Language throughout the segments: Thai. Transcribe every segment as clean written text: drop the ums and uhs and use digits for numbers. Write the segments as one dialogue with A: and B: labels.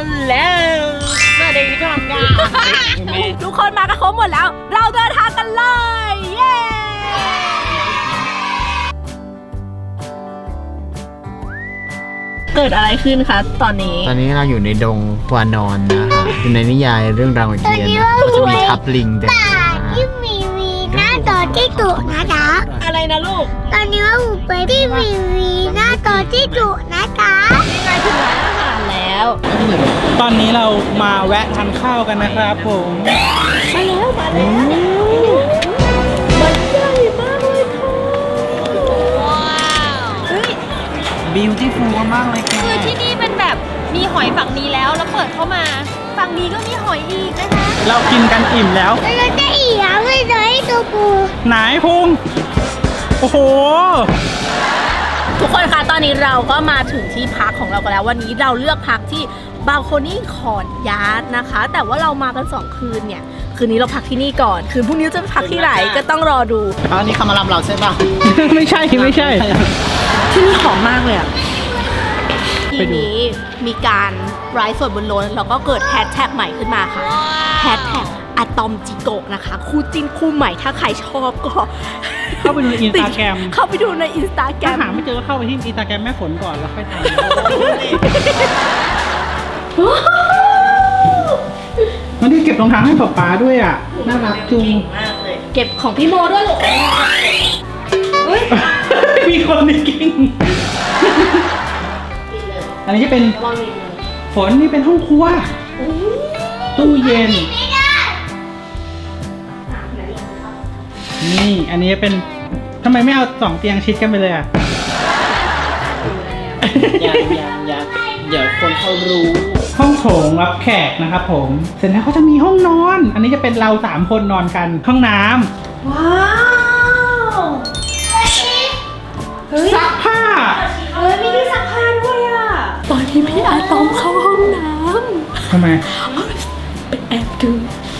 A: แล้วสวัสดีทุกคนค่ะทุกคนมากันครบหมดแล้วเราเดินทางกันเลยเย้เกิดอะไรขึ้นคะตอนนี้
B: เราอยู่ในดงวานอนนะคะอยู่ในนิยายเรื่องราวของเทียนนะจะมีทับลิงแต่
C: ที่มีหน้าต่อที่ตุนะคะ
A: อะไรนะลูก
C: ตอนนี้ว่าหูไปที่มีหน้าต่อที่ตุนะคะ
A: นี่ไงถึงร้านอาหารแล้ว
D: ตอนนี้เรามาแวะทานข้าวกันนะครับผม
A: มาแล้วมันใหญ่มากเลยค่ะว้าวเฮ้ย
D: บิวตี้ฟูลมากเลยค่ะ
A: คือที่นี่เป็นแบบมีหอยฝั่งนี้แล้วเปิดเข้ามาฝั่งนี้ก็มีหอยอีกนะคะ
D: เรากินกันอิ่มแล้ว
C: เราจะอีกแล้วไม่ได้ตัวปู
D: ไหนพุงโอ้โห
A: ทุกคนคะตอนนี้เราก็มาถึงที่พักของเรากันแล้ววันนี้เราเลือกพักที่บาลโคนี่คอร์ทยาร์ดนะคะแต่ว่าเรามากัน2คืนเนี่ยคืนนี้เราพักที่นี่ก่อนคืนพรุ่งนี้จะพักที่ไหนก็ต้องรอดู
B: อันนี้เขามารับเราใช่ป่ะ
D: ไม่ใช่ที่
A: นี่หอมมากเลยอ่ะทีนี้มีการไลฟ์สดบนรถแล้วก็เกิดแฮชแท็กใหม่ขึ้นมาค่ะแฮชแท็กอะตอมจิโกะนะคะคู่จิ้นคู่ใหม่ถ้าใครชอบก็
D: เข้าไปดูในอินสตาแกรม
A: เข้าไปดูในอินสตาแกรม
D: ถ้าหาไม่เจอก็เข้าไปที่อินสตาแกรมแม่ฝนก่อนแล้วค่อยตามวันนี้เก็บรองเท้าให้ป๊าด้วยอ่ะน่ารักจุง
A: เก็บของพี่โมด้วยหรอ
D: มีคนในกิ้งอันนี้จะเป็นฝนนี่เป็นห้องครัวตู้เย็นนี่อันนี้เป็นทำไมไม่เอา2เตียงชิดกันไปเลยอ่ะ
B: ยังเดี๋ยวคนเขารู้
D: ห้องโถงรับแขกนะครับผมเสร็จแล้วเขาจะมีห้องนอนอันนี้จะเป็นเรา3คนนอนกันห้องน้
A: ำว้าว
D: ซักผ้า
A: มีที่ซักผ้าด้วยอ่ะตอนที่พี่อาตอมเข้าห้องน้ำ
D: ทำไม
A: เป็นแอบดู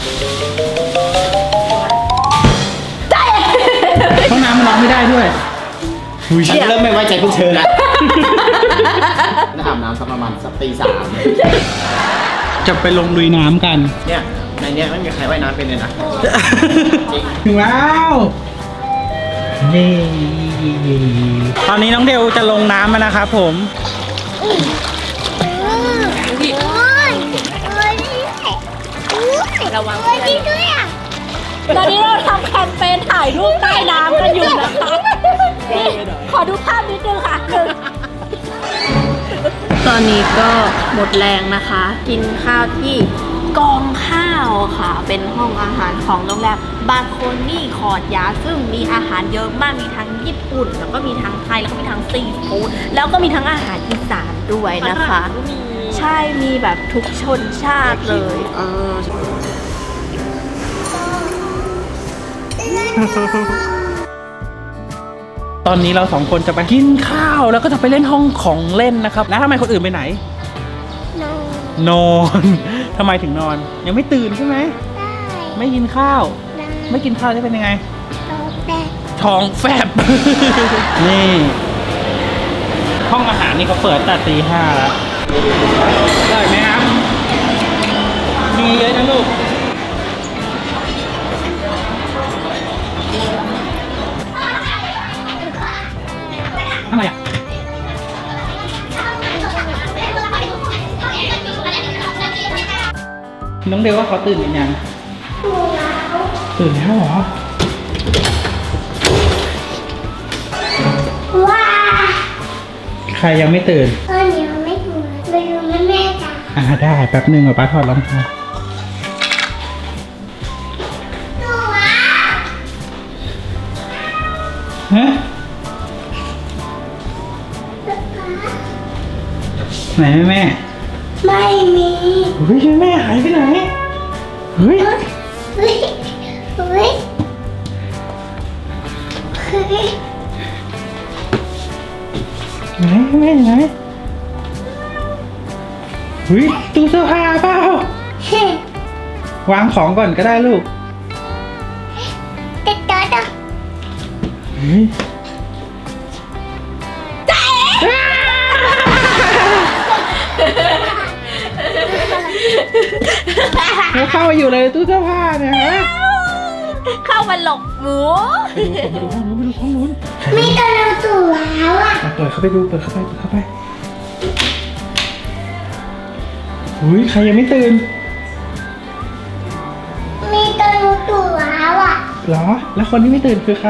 D: ห้องน้ำมันร้องไม่ได้ด้วย
B: ฉันเริ่มไม่ไว้ใจพวกเธอแล้วน่าอาบน้ำสักประมาณสักตี 3
D: จะไปลงลุยน้ำกัน
B: เนี่ยในเนี้ยไม่มีใครว่ายน้ำเป็นเลยนะ
D: ถึงแล้วนี่ตอนนี้น้องเดลจะลงน้ำมานะครับผม
A: ระวังด้วยอ่ะตอนนี้เราทำแคมเปญถ่ายรูปใต้น้ำกันอยู่นะคะขอดูภาพนิดนึงค่ะตอนนี้ก็หมดแรงนะคะกินข้าวที่กองข้าวค่ะเป็นห้องอาหารของโรงแรมบาลโคนี่คอร์ทยาร์ดซึ่งมีอาหารเยอะมากมีทั้งญี่ปุ่นแล้วก็มีทั้งไทยแล้วก็มีทั้งซีฟู้ดแล้วก็มีทั้งอาหารอีสานด้วยนะคะใช่มีแบบทุกชนชาติเลย
D: ตอนนี้เรา2คนจะไปกินข้าวแล้วก็จะไปเล่นห้องของเล่นนะครับแล้วทำไมคนอื่นไปไหนนอนทำไมถึงนอนยังไม่ตื่นใช่ไหมไม่กินข้าวไม่กินข้าวจะเป็นยังไงท้องแฟบนี่ห้องอาหารนี่เขาเปิดแต่ตี 5แล้วได้ไหมครับมีเยอะนะลูกอะไรอ่ะน้องเดวว่าเขาตื่นหรือยังตื่นแล้วเหรอ
C: ว้า
D: ใครยังไม่ตื่น
C: ตอนนี้ไม่ตื่นไปดูแม่จ้ะ
D: ได้แป๊บนึงป้าถอดรองเท้าฮะไหนแม่
C: ไม่มี
D: เฮ้ยแม่หายไปไหนเฮ้ยไหนแม่ไหนเฮ้ยตู้เสื้อผ้าเปล่าวางของก่อนก็ได้ลูก
C: ติดต่อ
D: เฮ้ยแล้วเข้ามาอยู่เลยตู้เสื้อผ้าเนี่ยฮะ
A: เข้ามาหลบหมู
D: ไปดูห้องนู้นไปดูห้องนู้น
C: มีตัวหนูตัวแล้วอ่ะ
D: เปิดเข้าไปดูเปิดเข้าไปอุ้ยใครยังไม่ตื่น
C: มีตัวหนูตัวแล้วอ่ะ
D: เหรอ แล้วคนที่ไม่ตื่นคือใคร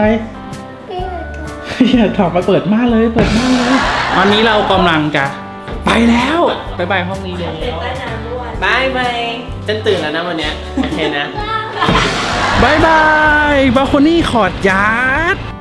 D: อย่าถอดมาเปิดม่านเลยตอนนี้เรากำลังจะไปแล้วไปห้องนี้เลย
B: บายบายฉันตื่นแล้วนะวันเนี้ยโอเคนะ
D: บายบายบาโคนี่ขอดยาร์ด